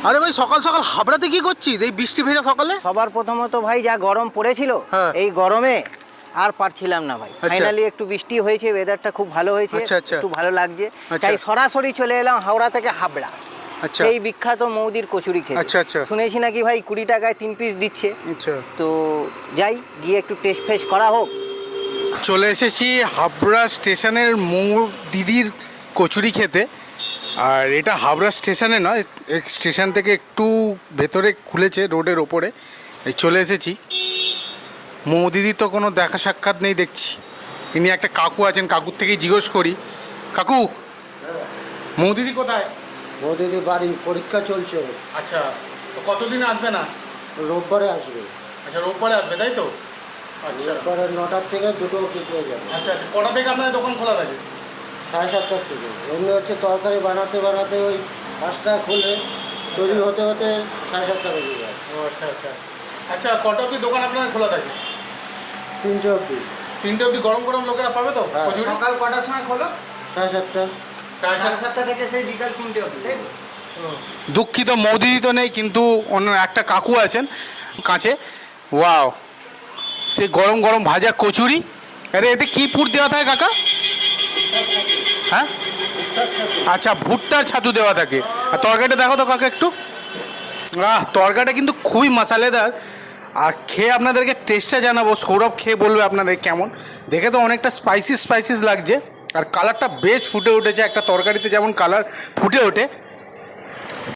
আরে ভাই সকাল সকাল হাবড়াতে কি করছিস এই বৃষ্টি ভেজা সকালে? সবার প্রথমত ভাই যা গরম পড়েছিল, হ্যাঁ। এই গরমে আর পারছিলাম না ভাই। আচ্ছা। ফাইনালি একটু বৃষ্টি হয়েছে, ওয়েদারটা খুব ভালো হয়েছে, আচ্ছা, আচ্ছা। একটু ভালো লাগছে। আচ্ছা। তাই সরাসরি চলে এলাম হাওড়া থেকে হাবড়া। আচ্ছা এই বিখ্যাত মৌদির কচুরি খেতে। আচ্ছা, আচ্ছা। শুনেছি নাকি ভাই 20 টাকায় 3 পিস দিচ্ছে। আচ্ছা, তো যাই গিয়ে একটু টেস্ট ফেস্ট করা হোক। চলে এসেছি হাবড়া স্টেশনের দিদির কচুরি খেতে। আর এটা হাবড়া স্টেশনে নয়, স্টেশন থেকে একটু ভেতরে খুলেছে রোডের ওপরে। এই চলে এসেছি। দিদির তো কোনো দেখা সাক্ষাৎ নেই দেখছি। ইনি একটা কাকু আছেন, কাকুর থেকেই জিজ্ঞেস করি। কাকু, দিদি কোথায়? বৌদিদি বাড়ি, পরীক্ষা চলছে। আচ্ছা, তো কতদিন আসবে না? রোববারে আসবে। আচ্ছা, রোববারে আসবে তাই তো? আচ্ছা রোববারে 9টার থেকে 2টো অবধি পেয়ে যাবে। আচ্ছা আচ্ছা, কটা থেকে আপনার দোকান খোলা থাকে? 7:30 থেকে। এমনি হচ্ছে তরকারি বানাতে বানাতে ওই 5টা খুলে তৈরি হতে হতে 7:30 বেজে যায়। ও আচ্ছা আচ্ছা আচ্ছা, কটা অবধি দোকান আপনার খোলা থাকে? 3টে অবধি। 3টে অবধি গরম গরম লোকেরা পাবে তো হ্যাঁ। কচুরি? সকাল কটার সময় খোলো? 7:30। 7:30 থেকে সেই বিকাল 3টে অবধি, তাই তো? দুঃখিত, দিদি তো নেই, কিন্তু অন্য একটা কাকু আছেন কাছে। ওয়াও, সেই গরম গরম ভাজা কচুরি। আরে এতে কি পুর দেওয়া থাকে কাকা? হ্যাঁ, আচ্ছা, ভুট্টার ছাতু দেওয়া থাকে। আর তরকারিটা দেখো তো কাকা একটু। তরকারিটা কিন্তু খুবই মশালেদার। আর খেয়ে আপনাদেরকে টেস্টটা জানাবো, সৌরভ খেয়ে বলবে আপনাদের কেমন। দেখে তো অনেকটা স্পাইসিস লাগছে। আর কালারটা বেশ ফুটে উঠেছে, একটা তরকারিতে যেমন কালার ফুটে ওঠে